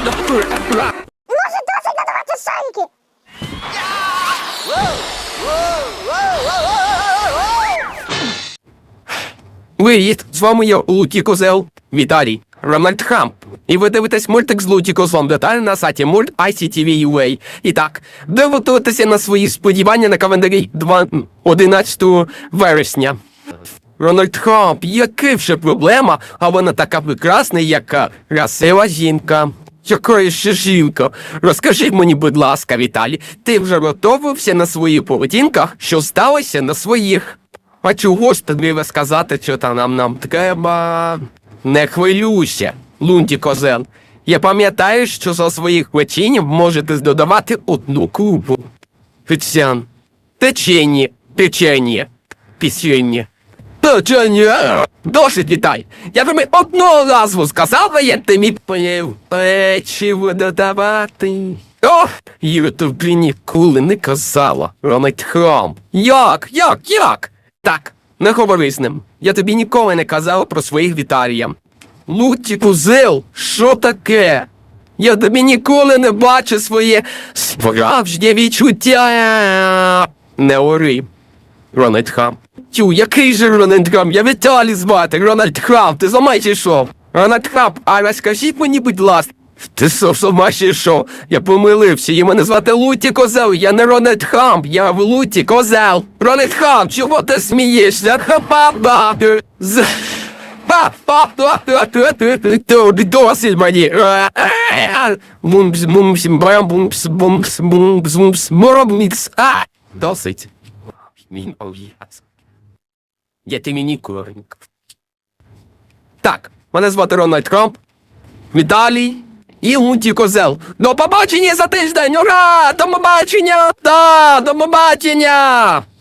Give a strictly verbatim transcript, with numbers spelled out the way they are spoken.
Може, досить надавати шарики? Привіт, з вами я, Луті Козел, Віталій, Рональд Трамп. І ви дивитесь мультик з Луті Козлом, деталі на сайті мульт ай сі ті ві ю ей. І так, дивитися на свої сподівання на календарі одинадцятого вересня. Рональд Трамп, яка вже проблема, а вона така прекрасна, яка красива жінка. Якої ще жінка? Розкажи мені, будь ласка, Віталій, ти вже готовився на своїх поведінках, що сталося на своїх? А чого ж тобі сказати, що там нам, нам треба? Не хвилюйся, Лунті Козел. Я пам'ятаю, що за своїх печенів можете додавати одну кубу. Печень. Печені. Печені. Печені. Печення. Досить, Вітай. Я тобі одного разу сказав, а я тобі поїв. Печиво додавати. О, я тобі ніколи не казала, Рональд Трамп. Як? Як? Як? Так, не говори з ним. Я тобі ніколи не казав про своїх Віталія. Луті Козел, що таке? Я тобі ніколи не бачу своє справжнє відчуття. Не ори, Рональд Трамп. Тю, який же Рональд Трамп? Я Віталій звати, Рональд Трамп, ти за чи що? Рональд Трамп, а розкажіть мені, будь ласка. Ти що, сама ще що? Я помилився, і мене звати Луті Козел, я не Рональд Трамп, я Луті Козел. Рональд Трамп, чого ти смієшся? Ха-ха-ха! З... Досить мені. Досить. Він ов'яз. Я ти мені коренько. Так, мене звати Рональд Трамп, Віталій і Луті Козел. До побачення за тиждень! Ура! До побачення! Да, до побачення!